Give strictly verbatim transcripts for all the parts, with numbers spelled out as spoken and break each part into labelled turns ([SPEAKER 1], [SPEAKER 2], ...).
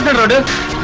[SPEAKER 1] ఎక్కడ రోడ్డు?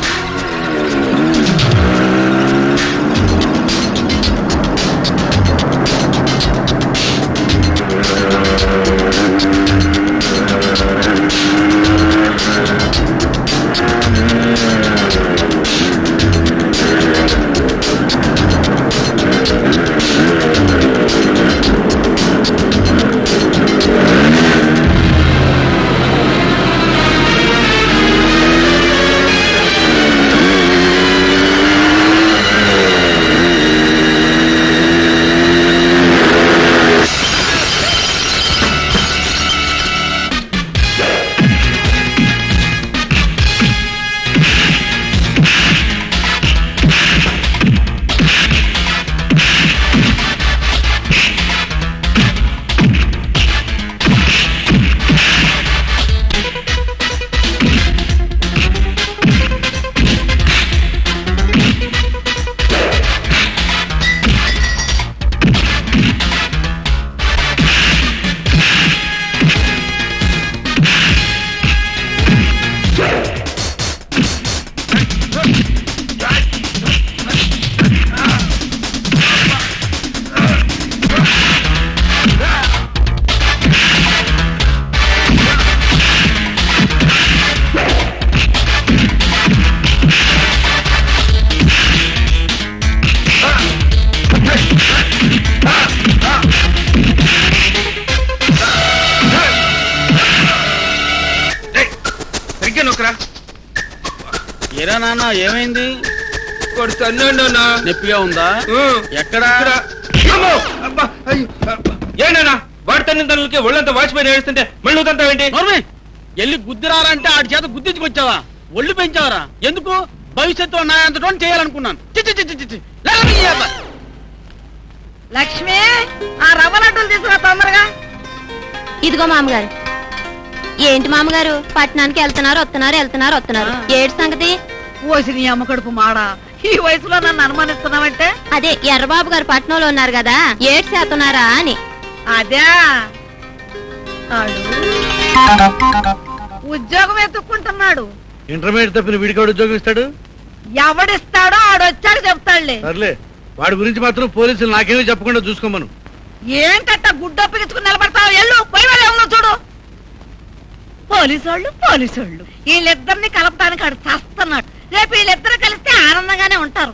[SPEAKER 2] ఏరా నాన్న ఏమైంది? నొప్పిగా ఉందా? ఎక్కడా?
[SPEAKER 1] ఏనా వాడి తల్లి తల్లికి ఒళ్ళంతా వాచిపోయి ఏడుస్తుంటే మళ్ళీ తంతావేంటి?
[SPEAKER 2] ఎల్లి గుద్దిరారంటే ఆడి చేత గుద్దించుకొచ్చావా? ఒళ్ళు పెంచావరా? ఎందుకు? భవిష్యత్తు నాయంతటో చేయాలనుకున్నాను.
[SPEAKER 3] లక్ష్మి, ఆ రవ్వ లడ్డూలు తీసుకురా తొందరగా.
[SPEAKER 4] ఇదిగో మామగారు. ఏంటి మామగారు, పట్టణానికి వెళ్తున్నారు వస్తున్నారు వెళ్తున్నారు వస్తున్నారు ఏడు సంగతి?
[SPEAKER 3] ఓసి నీ అమ్మ కడుపు మాడా, ఈ వయసులో నన్ను అనుమానిస్తున్నావంటే?
[SPEAKER 4] అదే ఎర్రబాబు గారు పట్నంలో ఉన్నారు కదా, ఏడు చేస్తున్నారా అని.
[SPEAKER 3] అదే ఉద్యోగం ఎత్తుక్కుంటున్నాడు.
[SPEAKER 5] ఇంటర్మీడియట్ తప్పిన వీడికి ఉద్యోగం ఇస్తాడు?
[SPEAKER 3] ఎవడిస్తాడో ఆడొచ్చాడు చెప్తాడులే.
[SPEAKER 5] సర్లే, వాడి గురించి మాత్రం పోలీసులు నాకేమీ చెప్పకుండా చూసుకోమను.
[SPEAKER 3] ఏం కట్ట గుడ్డొప్పిగించుకుని నిలబడతావు? ఎల్లు పోయి వాళ్ళు చూడు. పోలీసోళ్ళు పోలీసోళ్ళు వీళ్ళిద్దరిని కలపడానికి ఆడు చస్తున్నాడు. రేపు వీళ్ళిద్దరు కలిస్తే ఆనందంగానే ఉంటారు.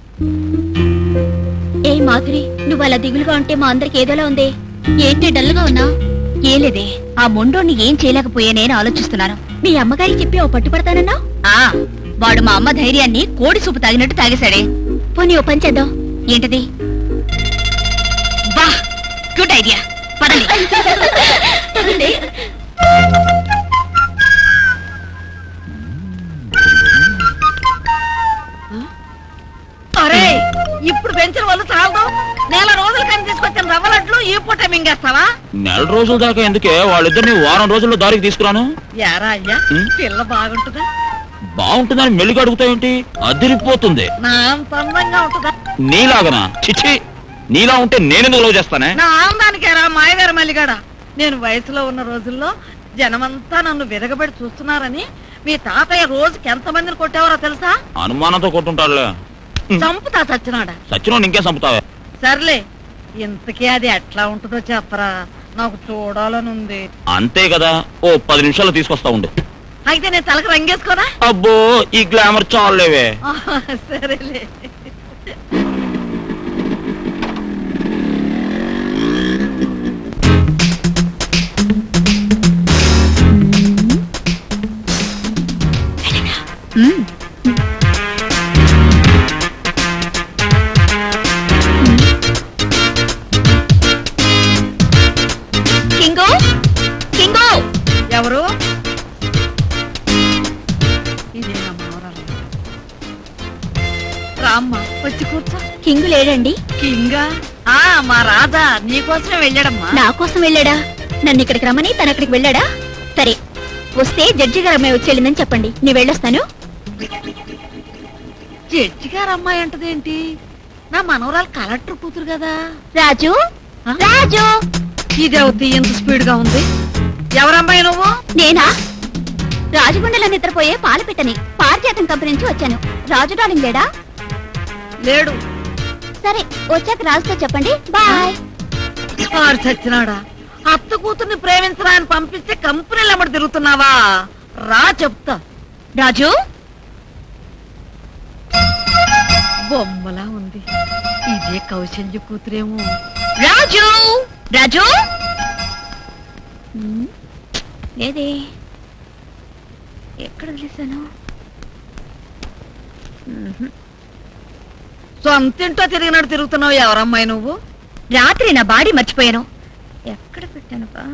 [SPEAKER 4] ఏ మాధురి, నువ్వు అలా దిగులుగా ఉంటే మా అందరికి ఏదోలా ఉంది. ఏంటి డల్గా ఉన్నా? ఏం లేదే, ఆ మొండోని ఏం చేయలేకపోయానే ఆలోచిస్తున్నాను. మీ అమ్మగారికి చెప్పి ఓ పట్టుపడతానన్నా? వాడు మా అమ్మ ధైర్యాన్ని కోడి సూపు తాగినట్టు తాగేశాడే. పోనీ ఓ పని చేద్దాం. ఏంటది? బా, గుడ్ ఐడియా. పదండి.
[SPEAKER 3] అరే, ఇప్పుడు పెంచిన వాళ్ళు చాలదు. నెల రోజుల కానీ తీసుకొచ్చిన రవ్వ లడ్లు ఈ పూట మింగేస్తావా?
[SPEAKER 2] నెల రోజుల దాకా ఎందుకే, వాళ్ళిద్దరిని వారం రోజుల్లో దారికి తీసుకురాను.
[SPEAKER 3] యారా అయ్యా, పిల్ల బాగుంటుందా?
[SPEAKER 2] బాగుంటుందని మెల్లిగా అడుగుతావేంటి? అదిరిపోతుంది.
[SPEAKER 3] నా అంత అందంగా ఉంటుందా?
[SPEAKER 2] నీలాగనా? చిచ్చి, నీలా ఉంటే నేనెందుకు లవ్ చేస్తానే?
[SPEAKER 3] నా ఆనందానికేరా మాయగారు మల్లిగాడ. నేను వయసులో ఉన్న రోజుల్లో జనమంతా నన్ను విరగబడి చూస్తున్నారని మీ తాతయ్య రోజుకి ఎంత మందిని కొట్టేవారో తెలుసా?
[SPEAKER 2] అనుమానంతో కొట్టుంటాడులే.
[SPEAKER 3] చంపుతా సచ్చినాడా.
[SPEAKER 2] సచ్చినో ఇంకే చంపుతావే.
[SPEAKER 3] సర్లే, ఇంతకీ అది ఎట్లా ఉంటుందో చెప్పరా, నాకు చూడాలని ఉంది.
[SPEAKER 2] అంతే కదా, ఓ పది నిమిషాలు తీసుకొస్తా ఉండు.
[SPEAKER 3] అయితే నేను తలకు రంగేసుకోనా?
[SPEAKER 2] అబ్బో, ఈ గ్లామర్ చాలేవే.
[SPEAKER 3] సరేలే.
[SPEAKER 4] King, king.
[SPEAKER 3] ఎవరు? రామ్మా, వచ్చి కూర్చో.
[SPEAKER 4] కింగు లేడండి?
[SPEAKER 3] కింగా? ఆ మా రాధా నీకోసమే వెళ్ళాడమ్మా.
[SPEAKER 4] నా కోసం వెళ్ళాడా? నన్ను ఇక్కడికి రమ్మని తను అక్కడికి వెళ్ళాడా? సరే, వస్తే జడ్జి గారు అమ్మాయి వచ్చి వెళ్ళిందని చెప్పండి, నీ వెళ్ళొస్తాను.
[SPEAKER 3] జడ్జి గారు అమ్మాయి అంటదేంటి? నా మనవరాలు కలెక్టర్ కూతురు కదా.
[SPEAKER 4] రాజు, రాజు.
[SPEAKER 3] ఇదేవుద్ది ఎంత స్పీడ్ గా ఉంది. ఎవరమ్మాయి నువ్వు?
[SPEAKER 4] నేనా? రాజగుండెలో నిద్రపోయే పాలపిట్టని పారిజాతం కంపెనీ నుంచి వచ్చాను. రాజు డార్లింగ్ లేడా?
[SPEAKER 3] లేడు.
[SPEAKER 4] సరే వచ్చాక రాజుతో చెప్పండి. బాయ్.
[SPEAKER 3] వాడు చచ్చినాడా? అత్త కూతుర్ని ప్రేమించరా అని పంపిస్తే కంపెనీలు ఎమ్మడి తిరుగుతున్నావా? రా చెప్తా.
[SPEAKER 4] రాజు
[SPEAKER 3] బొమ్మలా ఉంది. ఇదే కౌశల్య కూతురేమో.
[SPEAKER 4] రాజు రాజు ఉమ్, లేదే, ఎక్కడ వదిలేశాను? ఉహు.
[SPEAKER 3] సొంతింటో తిరిగినట్టు తిరుగుతున్నావు. ఎవరమ్మాయి నువ్వు?
[SPEAKER 4] రాత్రి నా బాడీ మర్చిపోయాను. ఎక్కడ పెట్టాను బా?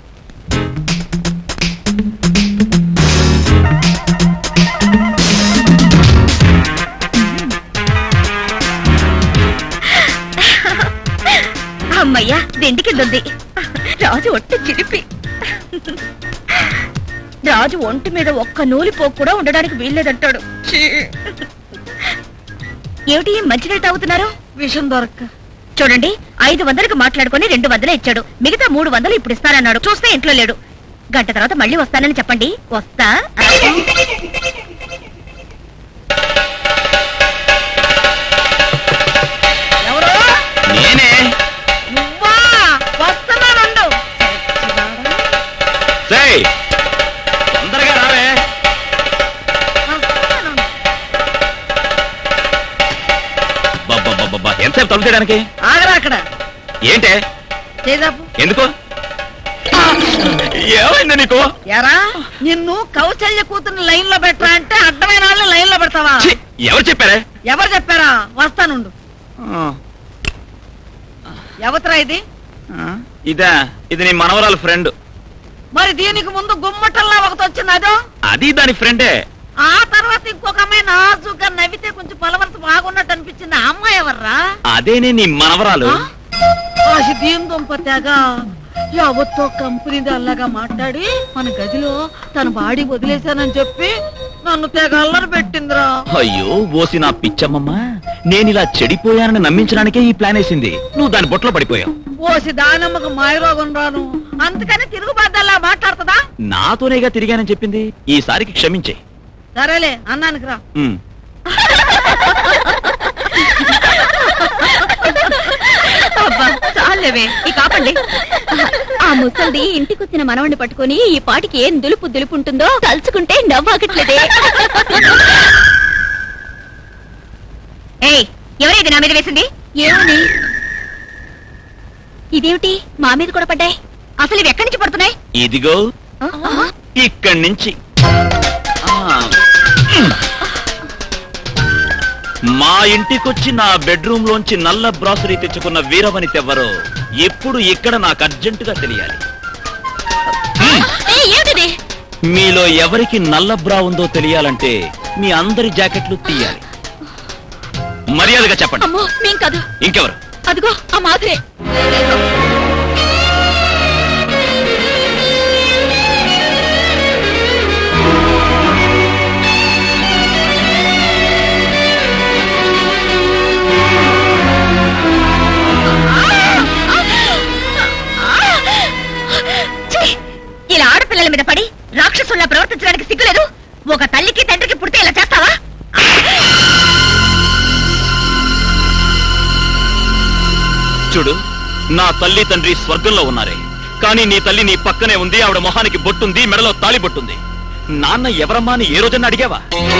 [SPEAKER 4] అమ్మయ్యా, దిండి కింద ఉంది. రాజు ఒట్టి చిరిపి. రాజు ఒంటి మీద ఒక్క నూలి పోకు కూడా ఉండడానికి వీల్లేదంటాడు. ఛీ. ఏమిటి మంచినీళ్ళు తాగుతున్నారు?
[SPEAKER 3] విషం దొరక్క.
[SPEAKER 4] చూడండి, ఐదు వందలకు మాట్లాడుకుని రెండు వందలే ఇచ్చాడు. మిగతా మూడు వందలు ఇప్పుడు ఇస్తానన్నాడు. చూస్తే ఇంట్లో లేడు. గంట తర్వాత మళ్ళీ వస్తానని చెప్పండి. వస్తా.
[SPEAKER 3] ఎవరు?
[SPEAKER 1] నేనే.
[SPEAKER 3] నువ్వా? వస్తున్నానుండు.
[SPEAKER 1] సేయ్, తొందరగా రావే.
[SPEAKER 3] వస్తున్నానుండు.
[SPEAKER 1] బాబా ఎంతసేపు తలుపు తీయడానికి?
[SPEAKER 3] ఆగరా అక్కడ.
[SPEAKER 1] ఏంటే?
[SPEAKER 3] చేదాపు.
[SPEAKER 1] ఎందుకు? ఏమైంది నీకు?
[SPEAKER 3] ఎరా, నిన్ను కౌశల్య కూతుర్ని లైన్ లో పెట్టరా అంటే అడ్డమైన వాళ్ళని లైన్ లో పెడతావా?
[SPEAKER 1] ఛీ, ఎవరు చెప్పారే?
[SPEAKER 3] ఎవరు చెప్పారా? వస్తానుండు. ఎవతరా ఇది?
[SPEAKER 1] ఇదా? ఇది నీ మనవరాలు ఫ్రెండ్.
[SPEAKER 3] మరి దీనికి ముందు గుమ్మటల్లా ఒకటి వచ్చింది అదో.
[SPEAKER 1] అది దాని ఫ్రెండే.
[SPEAKER 3] ఆ తర్వాత ఇంకొక అమ్మాయి నాజుగా నవ్వితే కొంచెం పలవరత బాగున్నట్టు అనిపించింది. ఆ అమ్మాయి ఎవర్రా?
[SPEAKER 1] అదేనే నీ మనవరాలు.
[SPEAKER 3] ఆశ దీని దుంప తెగ ఎవరితో కంపెనీ అల్లాగా మాట్లాడి మన గదిలో తన బాడీ వదిలేశానని చెప్పి నన్ను తెగ అల్లరి పెట్టిందిరా.
[SPEAKER 1] అయ్యో ఓసి నా పిచ్చమ్మమ్మ, నేనిలా చెడిపోయానని నమ్మించడానికే ఈ ప్లాన్ వేసింది. నువ్వు దాని బొట్లో పడిపోయావు.
[SPEAKER 3] ఓసి దానమ్మకు మాయరోగం రాను, అందుకని తిరుగుబాద్దల్లా మాట్లాడుతుందా?
[SPEAKER 1] నాతోనేగా తిరిగానని చెప్పింది. ఈసారికి క్షమించే.
[SPEAKER 3] సరేలే అన్నానికి రా.
[SPEAKER 1] ఉమ్.
[SPEAKER 4] అబ్బా, చాలేవే, ఈ కాపండి. ఆ ముసల్ది ఇంటికొచ్చిన మనవణ్ణి పట్టుకుని ఈ పాటికి ఏం దులుపు దులుపు ఉంటుందో తలుచుకుంటే నవ్వాగట్లేదే. ఏయ్, ఎవరైతే నా మీద వేసింది? ఏమని? ఇదేమిటి మా మీద కూడా పడ్డాయి? అసలు ఇవి ఎక్కడి నుంచి పడుతున్నాయి?
[SPEAKER 1] ఇదిగో
[SPEAKER 4] ఆ?
[SPEAKER 1] ఇక్కడి నుంచి. ఆ. మా ఇంటికొచ్చి నా బెడ్రూమ్ లోంచి నల్ల బ్రాసరీ తెచ్చుకున్న వీరవనిత ఎవరో ఎప్పుడు ఇక్కడ నాకు అర్జెంటుగా తెలియాలి.
[SPEAKER 4] ఏయ్, ఏమిటిది?
[SPEAKER 1] మీలో ఎవరికి నల్ల బ్రా ఉందో తెలియాలంటే మీ అందరి జాకెట్లు తీయాలి. మర్యాదగా చెప్పండి.
[SPEAKER 4] అమ్మో, మేం కాదు.
[SPEAKER 1] ఇంకెవరు?
[SPEAKER 4] అదిగో ఆ మాధురే. ఛీ! ఇలా ఆడపిల్లల మీద పడి రాక్షసుల్లా ప్రవర్తించడానికి సిగ్గులేదు? ఒక తల్లికి తండ్రికి పుడితే ఇలా చేస్తావా?
[SPEAKER 1] చూడు, నా తల్లి తండ్రి స్వర్గంలో ఉన్నారే, కానీ నీ తల్లి నీ పక్కనే ఉంది. ఆవిడ మొహానికి బొట్టుంది, మెడలో తాళి బొట్టుంది. నాన్న ఎవరమ్మా అని ఏ రోజన్నా అడిగావా?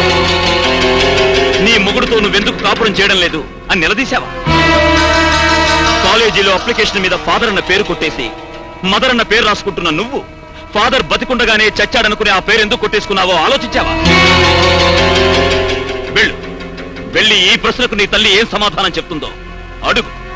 [SPEAKER 1] నీ మొగుడుతో నువ్వెందుకు కాపురం చేయడం లేదు అని నిలదీశావా? కాలేజీలో అప్లికేషన్ మీద ఫాదర్ అన్న పేరు కొట్టేసి మదర్ అన్న పేరు రాసుకుంటున్న నువ్వు ఫాదర్ బతికుండగానే చచ్చాడనుకునే ఆ పేరు ఎందుకు కొట్టేసుకున్నావో ఆలోచించావా? వెళ్ళు, వెళ్ళి ఈ ప్రశ్నకు నీ తల్లి ఏం సమాధానం చెప్తుందో అడుగు.